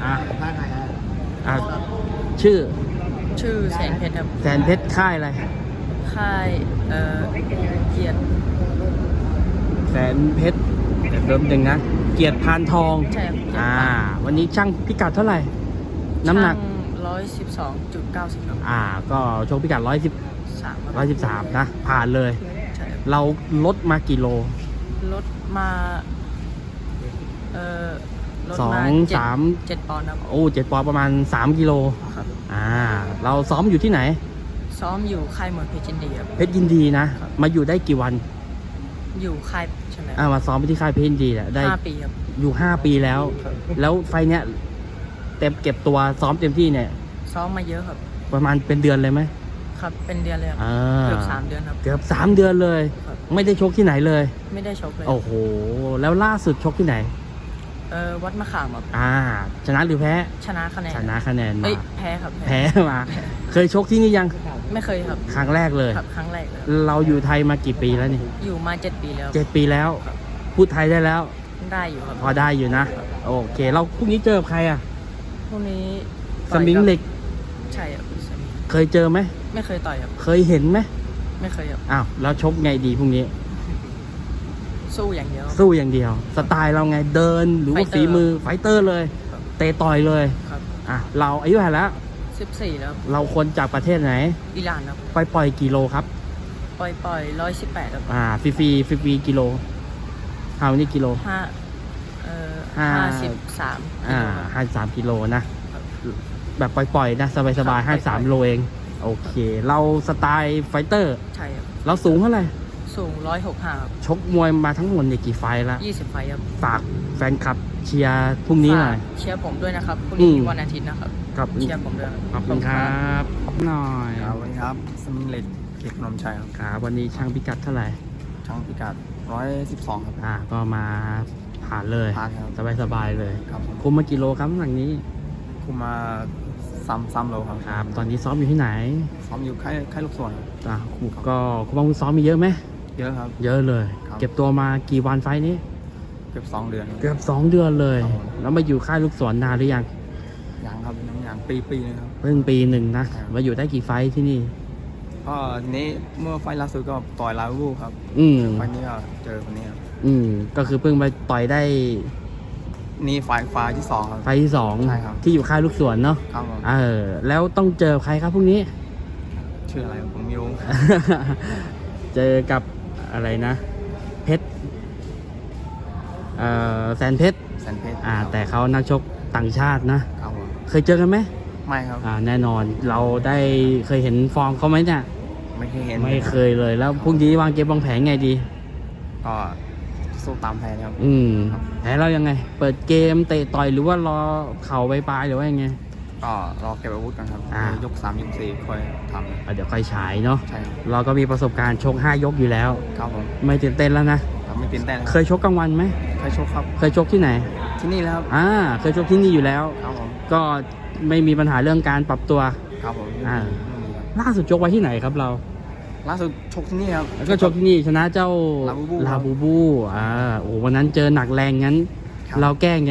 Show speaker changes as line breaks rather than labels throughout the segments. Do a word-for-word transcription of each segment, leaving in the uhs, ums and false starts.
อ่ะอ่ะชื่อ
ชื่อแสนเพชรครับ
แสนเพชรค่ายอะไร
ค่ายเอ่อเกียรติ
แสนเพชรเริ่มหนึ่งนะเกียรติพานทอง
ใช่ครับ
อ่าวันนี้ช่างพิกัดเท่าไหร่น้ำหนัก
ร้อยสิบสองจุดเก้าสิบครับ
อ่าก็ชกพิกัดร้อยสิบ
สาม
ร้อยสิบสามนะผ่านเลย
ใช่
เราลดมากี่โล
ลดมาเอ่อลด
สอ
มาง
สาม
เจ็ดปอนด์ครับ
โอ้เจ็ดปอนด์ประมาณสามกิโล
ครับ
อ่าเราซ้อมอยู่ที่ไหน
ซ้อมอยู่ค่ายมวยเพชรยินดีครับ
เพชรยินดีนะมาอยู่ได้กี่วัน
อยู่ค่ายใช่ไหม
อ่ามาซ้อมไปที่ค่ายเพชรยินดีแหละได้
ห้าปีครับ
อยู่ห้าปีแล้วแล้วไฟเนี้ยเต็มเก็บตัวซ้อมเต็มที่เนี่ย
ซ้อมมาเยอะครับ
ประมาณเป็นเดือนเลยไหม
ครับเป็นเดือนเลยครับเกือบสามเดือนครับ
เกือบสามเดือนเลยไม่ได้ชกที่ไหนเลย
ไม่ได้ชกเลย
โอ้โหแล้วล่าสุดชกที่ไหน
เออวัดมะขามครับ
อ่าชนะหรือแพ้
ชนะคะแนน
ชนะคะแนนมา
แพ้ครับ
แพ้มาเคยชกที่นี่ยัง
ไม่เคยครับ
ครั้งแรกเลย
ครับครั้งแรกเลย
เราอยู่ไทยมากี่ปีแล้วนี่
อยู่มาเจ็ดปีแล้ว
เจ็ดปีแล้วพูดไทยได้แล้ว
ได้อยู่ครับ
พอได้อยู่นะโอเคเราพรุ่งนี้เจอใครอ่ะ
พรุ่งนี้
สมิงเหล็ก
ใช่ครับ
เคยเจอไหม
ไม่เคยต่อยครับ
เคยเห็นไหม
ไม่เคยครับ
อ้าวแล้วชกไงดีพรุ่งนี้
สู้อย่างเดียว
สู้อย่างเดียวสไตล์เราไงเดินหรือว่าฝีมือไฟเตอร์เลยเตะต่อยเลย
ครับ
อ่ะเราอายุเท่าไหร่แล้ว
สิบสี่แล้ว
เราคนจากประเทศไหน
อิหร่านครับ
ปล่อยปล่อยกิโลครับ
ปล่อยปล่อยร้อยสิบแปดครับ
อ่าฟรีฟรีฟรีฟรีกิโลเท่านี้กิโล
ห้าเอ่อห้าสิบสาม
อ่าห้าสามกิโลนะแบบปล่อยๆนะสบายๆห้าสามโลเองโอเคเราสไตล์ไฟเตอร์
ใช่ครับ
เราสูงเท่าไหร่
สูงร้อยหกห้าครับ
ชกมวยมาทั้งหมดเนี่ยกี่ไฟละ
ยี่สิบไฟครับ
ฝากแฟนคลับเชียร์พรุ่งนี้หน่อย
เชียร์ผมด้วยนะครับพรุ่งนี้วันอาทิตย์นะครับ
ครับ
เชียร์ผมด้วย
ขอบคุณครับหน่อย
ครับวันนี้ครับสมิงเหล็กเขตพนมชัยครับ
ครับวันนี้ช่างพิกัดเท่าไหร่
ช่างพิกัดร้อยสิบสองครับ
อ่าก็มาผ่านเลย
ผ่านครับ
สบายสบายเลย
ครับ
คุมมากี่โลครับหลังนี้
คุมมาซ้ำซ้ำโลครับ
ครับตอนนี้ซ้อมอยู่ที่ไหน
ซ้อมอยู่ค่ายค่ายลูกส่วน
อ่าก็คุณบางคุณซ้อมมีเยอะไหม
เยอะครับ
เยอะเลยเก็บตัวมากี่วันไฟนี้
เกือบสองเดือน
เกือบสองเดือนเลยแล้วมาอยู่ค่ายลูกศรนานหรือยัง
ยังครับยังปีปีนึงครับ
เพิ่งปีหนึ่งนะมาอยู่ได้กี่ไฟที่นี่
ก็นี้เมื่อไฟล่าสุดก็ต่อยลาวูครับ
อืม
ไฟนี้ก็เจอคนนี้ครับ
อืมก็คือเพิ่งไปต่อยได้
นี่ไฟไฟที่สองครับ
ไฟที่สอง
ใช่ครับ
ที่อยู่ค่ายลูกศรเนาะ
ครับ
เออแล้วต้องเจอใครครับพวกนี้
ชื่ออะไรผมไม่รู้
เจอกับอะไรนะเพชรเอ่อแสนเพชร
แสนเพชร
อ่าแต่เขานักชกต่างชาตินะครับ
ผม
เคยเจอกันไหม
ไม่ครับ
อ่าแน่นอนเราได้เคยเห็นฟอร์มเขาไหมเนี่ย
ไม่เคยเห็น
ไม่เคยเลยแล้วพรุ่งนี้วางเกมวางแผนไงดี
ก็สู้ตามแผนครับ
อืมแผนเรายังไงเปิดเกมเตะต่อยหรือว่ารอเข่าไปปลายหรือว่ายังไง
ก็รอเก็บอาวุธกันครับยกสามยกสี่ค่อยทำ
เดี๋ยวค่อยฉายเนาะ
ใช่
เราก็มีประสบการณ์ชกห้ายกอยู่แล้ว
ครับผม
ไม่ตื่นเต้นแล้วนะ
ไม่ตื่นเต้น
เคยชกกลางวันไหม
เคยชกครับ
เคยชกที่ไหน
ที่นี่แล้ว
อ่าเคยชกที่นี่อยู่แล้ว
ครับผม
ก็ไม่มีปัญหาเรื่องการปรับตัว
ครับผม
อ่าล่าสุดชกไว้ที่ไหนครับเรา
ล่าสุดชกที่นี่ครับ
แล้วก็ชกที่นี่ชนะเจ้าลาบูบูอ่าโอ้วันนั้นเจอหนักแรงงั้นเราแก้ไง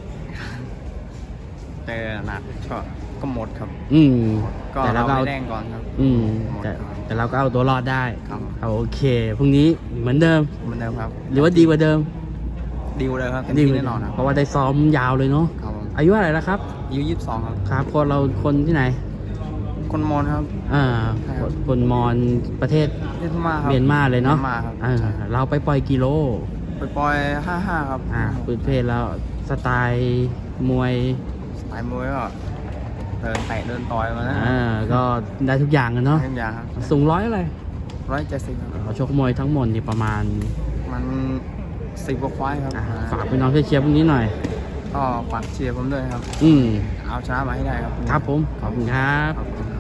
เจอหนักก็ก็หมดครับ
อืม
แต่เราก็แรงก่อนครับ
อืมแต่แต่เราก็เอาตัวรอดได้
ครับ
โอเคพรุ่งนี้เหมือนเดิม
เหมือนเดิมครับ
หรือว่าดีกว่าเดิม
ดีกว่าเดิมครับดีแน่นอน
เพราะว่าได้ซ้อมยาวเลยเนาะอายุอะไรแล้วครับ
อายุยี่สิบสองครับ
ครับคนเราคนที่ไหน
คนมอญครับ
อ่าคนมอญประเทศเมียนมาเลยเนาะเราไปปล่อยกิโล
ไปปล่อยห้าห้าครับ
อ่าพื้นเพศแล้วสไตล์มวย
สไตล์มวยก็เดินเตะเดินต่อยมาแล้ว
อ่าก็ได้ทุกอย่างกันเนาะ
ทุกอย่างครับ
สูงร้อยอะไร
ร้อยเจ็ดสิบ
เราชกมวยทั้งหมดนี่ประมาณ
มันสิบกว่าไฟครับ
ฝากพี่น้องเชียร์พวกนี้หน่อย
ก็ฝากเชียร์ผมด้วยครับ
อืม
เอาชนะมาให้ได้ครับ
ครับผมขอบคุณครับ